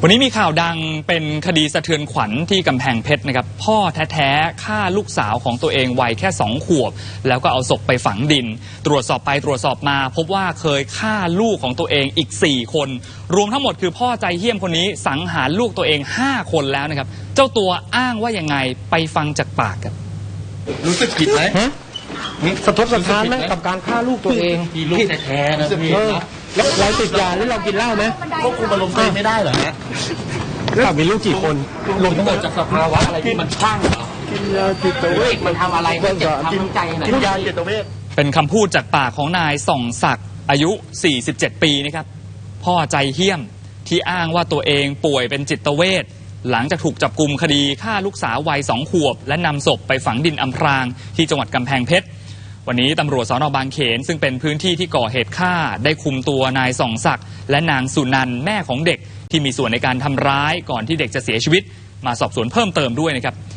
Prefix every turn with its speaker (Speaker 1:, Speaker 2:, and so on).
Speaker 1: วันนี้มีข่าวดังเป็นคดีสะเทือนขวัญที่กำแพงเพชรนะครับพ่อแท้ๆฆ่าลูกสาวของตัวเองวัยแค่2 ขวบแล้วก็เอาศพไปฝังดินตรวจสอบไปตรวจสอบมาพบว่าเคยฆ่าลูกของตัวเองอีก4 คนรวมทั้งหมดคือพ่อใจเหี้ยมคนนี้สังหารลูกตัวเอง5 คนแล้วนะครับเจ้าตัวอ้างว่ายังไงไปฟังจากปากครับ
Speaker 2: รู้สึกผิดไหม
Speaker 3: สะทกสะท้านไหมกับการฆ่าลูกตัวเอง
Speaker 2: พี่ลูกแท้ๆนะพี่
Speaker 3: แล้วเราติดยาหรือเรากินเหล้าไหม
Speaker 2: ควบคุมอารมณ์ตัวเองไม่ได้เหรอฮะ
Speaker 3: แล้วมีลูกกี่คน
Speaker 2: รวมทั้งหมดจากสภาวะอะไรที่มันคลั่งเหรอ
Speaker 3: กินยาจิตเวช
Speaker 2: มันทำอะไรมันเจ็บทำใจไหนกินยาจิตเวช
Speaker 1: เป็นคำพูดจากปากของนายส่องศักดิ์อายุ47 ปีนะครับพ่อใจเหี้ยมที่อ้างว่าตัวเองป่วยเป็นจิตเวชหลังจากถูกจับกุมคดีฆ่าลูกสาววัย2 ขวบและนำศพไปฝังดินอำพรางที่จังหวัดกำแพงเพชรวันนี้ตำรวจสน.บางเขนซึ่งเป็นพื้นที่ที่ก่อเหตุฆ่าได้คุมตัวนายส่องศักดิ์และนางสุนันท์แม่ของเด็กที่มีส่วนในการทำร้ายก่อนที่เด็กจะเสียชีวิตมาสอบสวนเพิ่มเติมด้วยนะครับ